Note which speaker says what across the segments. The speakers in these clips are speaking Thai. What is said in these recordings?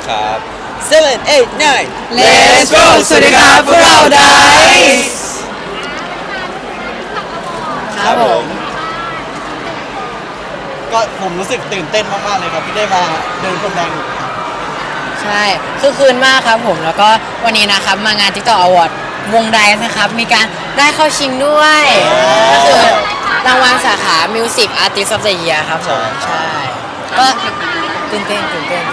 Speaker 1: ครับ7 8 9
Speaker 2: Let's go สวัสดีครับพวกเรา Dice
Speaker 1: ครับผมก็ผมรู้สึกตื่นเต้นมากๆเลยครับที่ได้มาเดินพรมแดง
Speaker 2: ใช่คือคืนมากครับผมแล้วก็วันนี้นะครับมางาน TikTok Award วง Dice นะครับมีการได้เข้าชิงด้วยก็คือรางวัลสาขา Music Artist of the Year ครับผมใช่ก็ตื่นเต้น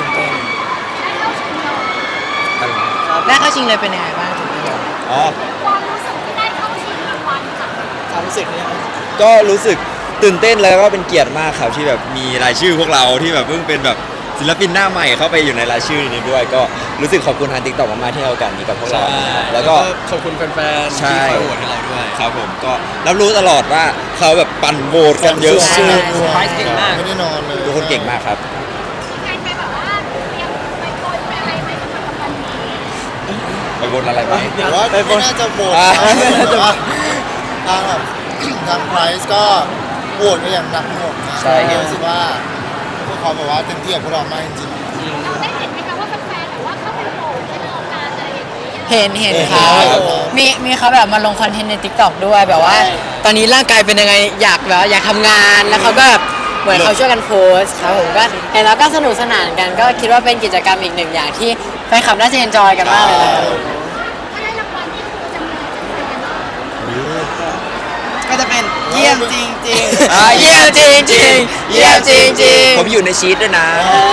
Speaker 2: ได้เข้าชิงเลยเป็นยังไงบ้างตื่นเต้น
Speaker 1: อ๋อ
Speaker 3: ความรู้สึกที่ได้เข้าชิงรางวัลค่ะ
Speaker 1: ความรู้สึกเนี่ย
Speaker 4: ก็รู้สึกตื่นเต้นแล้วก็เป็นเกียรติมากครับที่แบบมีรายชื่อพวกเราที่แบบเพิ่งเป็นแบบศิลปินหน้าใหม่เข้าไปอยู่ในรายชื่อนี้ด้วย ก็รู้สึกขอบคุณทาง TikTok มากๆที่ให้โอกาสนี้กับพวกเรานะครับแล้วก็
Speaker 1: ขอบคุณแฟนๆ
Speaker 4: ใช่
Speaker 1: ที่คอยโหวตให้เราด้วย
Speaker 4: ครับผมก็รับรู้ตลอดว่าเขาแบบปั่นโหวตกันเยอะ
Speaker 2: ใช่
Speaker 4: มาก
Speaker 2: ใช่
Speaker 1: เก่งมาก
Speaker 5: ไม่ได้นอนเลย
Speaker 4: ทุกคนเก่งมากครับ
Speaker 3: งานไปแบบว่าเตรียมไปโพสไปอะไรไหมสำหรับวันนี้
Speaker 4: ไปโหวตอะไรไหม
Speaker 5: แต่ว่าไม่น่าจะโหวต
Speaker 4: อ่า
Speaker 5: นะแต่ว่าทางแบบทางไพรส์ก็โหวตกันอย่างหนักหน่วงนะ
Speaker 4: ใช่ครับ
Speaker 5: รู้สึกว่าพวกเขาแบบว่าเต็มที่กับพวกเรามากจริง
Speaker 3: เราได้เห็นไหมคะว่าแฟนๆแบบว่าเข้าไปโหวตให้โอกาสอะไรอย่างเงี้ย
Speaker 2: เห็นครับ
Speaker 4: ครับ
Speaker 2: มีเขาแบบมาลงคอนเทนต์ใน TikTok ด้วยแบบว่า ตอนนี้ร่างกายเป็นยังไงอยากแบบอยากทำงานแล้วเขาก็แบบเหมือนเขาช่วยกันโพสต์ครับผมก็เห็นแล้วก็สนุกสนานกันก็คิดว่าเป็นกิจกรรมอีกหนึ่งอย่างที่แฟนคลับน่าจะเอนจอยกันมากเลยนะครับ
Speaker 3: ถ้าได้รางวัลนี่คือจะมีอะไรจะแฟนบ้าง
Speaker 1: ก็จะเป็นเยี่ยมจริง
Speaker 2: เยี่ยมจริงๆเยี่ยมจริงๆ
Speaker 4: ผมอยู่ในชีตด้วยนะ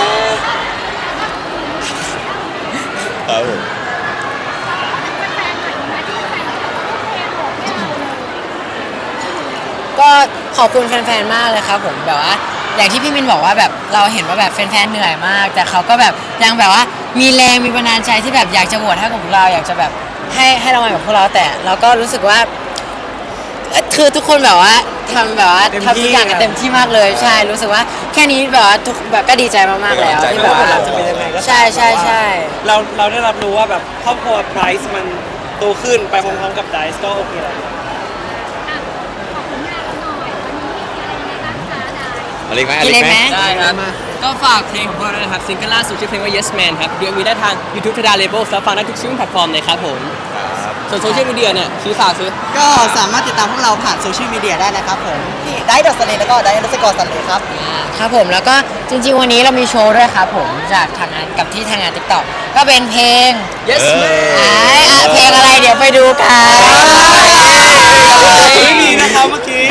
Speaker 4: ครับผม
Speaker 3: แฟนๆหน่อยนะที่แฟนๆเขาโอเคโหวตให้เราเลย
Speaker 2: ก็ขอบคุณแฟนๆ มากเลยครับผมแบบว่าอย่างที่พี่มินบอกว่าแบบเราเห็นว่าแบบแฟนๆ เหนื่อยมาก แต่เขาก็แบบยังแบบว่ามีแรงมีบันดาลใจที่แบบอยากจะโหวตให้กับพวกเราอยากจะแบบให้รางวัลกับพวกเราแต่เราก็รู้สึกว่าคือทุกคนแบบว่าทำแบบว่าทำทุกอย่างกันเต็มที่มากเลยใช่รู้สึกว่าแค่นี้แบบว่าทุกแบบก็ดีใจมากๆแล้วที่แบบว่า
Speaker 1: จะเป็นยังไงก็
Speaker 2: ใช่ใช่
Speaker 6: เราได้รับรู้ว่าแบบครอบครัวไพรส์มันโตขึ้นไปพร้อมๆกับไดซ์ก็โอเคแล้ว
Speaker 3: อ่ะขอบคุณงานเราหน่อยวันนี้มีอะไรยังไงบ้างคะได้
Speaker 4: อะไรอีกไหม
Speaker 2: กินเลยไหม
Speaker 6: ได้ครับ ก็ฝากเพลงของพวกเราด้วยนะครับซิงเกิลล่าสุดชื่อเพลงว่า Yes Man ครับเดี๋ยวมีได้ทาง YouTube ทดา Label แล้วฟังได้ทุกช่องแพลตฟอร์มเลยครับผมส่วนโซเชียลมีเดียเนี่ยซื้อฝากซื้อ
Speaker 1: ก็สามารถติดตามพวกเราผ่านโซเชียลมีเดียได้นะครับผมที่ได้ดอทสเลแล้วก็ได้ดัสกอร์สเลครับ
Speaker 2: ครับผมแล้วก็จริงๆวันนี้เรามีโชว์ด้วยครับผมจากทางงานกับที่ทางงาน TikTok ก็เป็นเพลง
Speaker 4: Yes Man
Speaker 2: เพลงอะไรเดี๋ยวไปดูกัน
Speaker 6: ไม่มีนะครับเมื่อกี้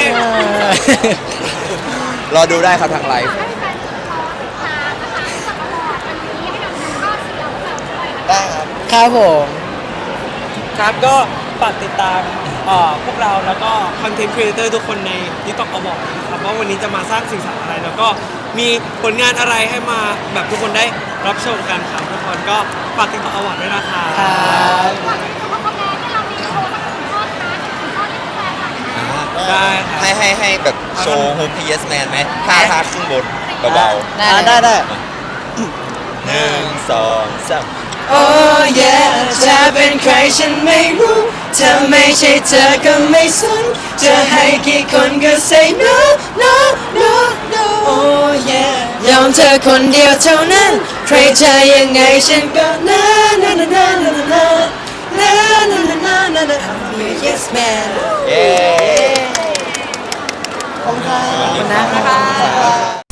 Speaker 4: รอดูได้ครับทางไลฟ์
Speaker 3: ให้แฟนๆขอติดตามนะคะสำหรับอวอร์ดวันนี้ให้เราทำข้อเสียงแบบด้วยนะคะ
Speaker 1: ได้ครับ
Speaker 2: ครับผม
Speaker 6: ครับก็ฝากติดตามพวกเราแล้วก็คอนเทนต์ครีเอเตอร์ทุกคนใน TikTok Award นะครับว่าวันนี้จะมาสร้างสิ่งสารอะไร แล้วก็มีผลงานอะไรให้มาแบบทุกคนได้รับชมกันครับทุกคนก็ฝาก TikTok Award ด้วยนะคะ
Speaker 2: ครับ
Speaker 3: ก่อนที่เขาแพ้ให้เรามีโชว์สักหนึ่งท่อนนะหนึ่งท่อนให้แฟนๆหน่อยนะ
Speaker 6: ได้ครับ
Speaker 4: ให้แบบโชว์โฮมพี Yes Man ไหมท่าขึ้นบนเบาๆ
Speaker 2: ได้เลย
Speaker 1: ได้
Speaker 4: หนึ่งสองสาม
Speaker 2: โอ้ยจะเป็นใครฉันไม่รู้ถ้าไม่ใช่เธอก็ไม่สนจะให้กี่คนก็ say no no no no โอ้ยยอมเธอคนเดียวเท่านั้นใครจะยังไงฉันก็ na na na na na na na na na na na na I'm your yes man
Speaker 4: เย้
Speaker 1: ขอบคุณครับ
Speaker 2: ขอบคุณนะครับ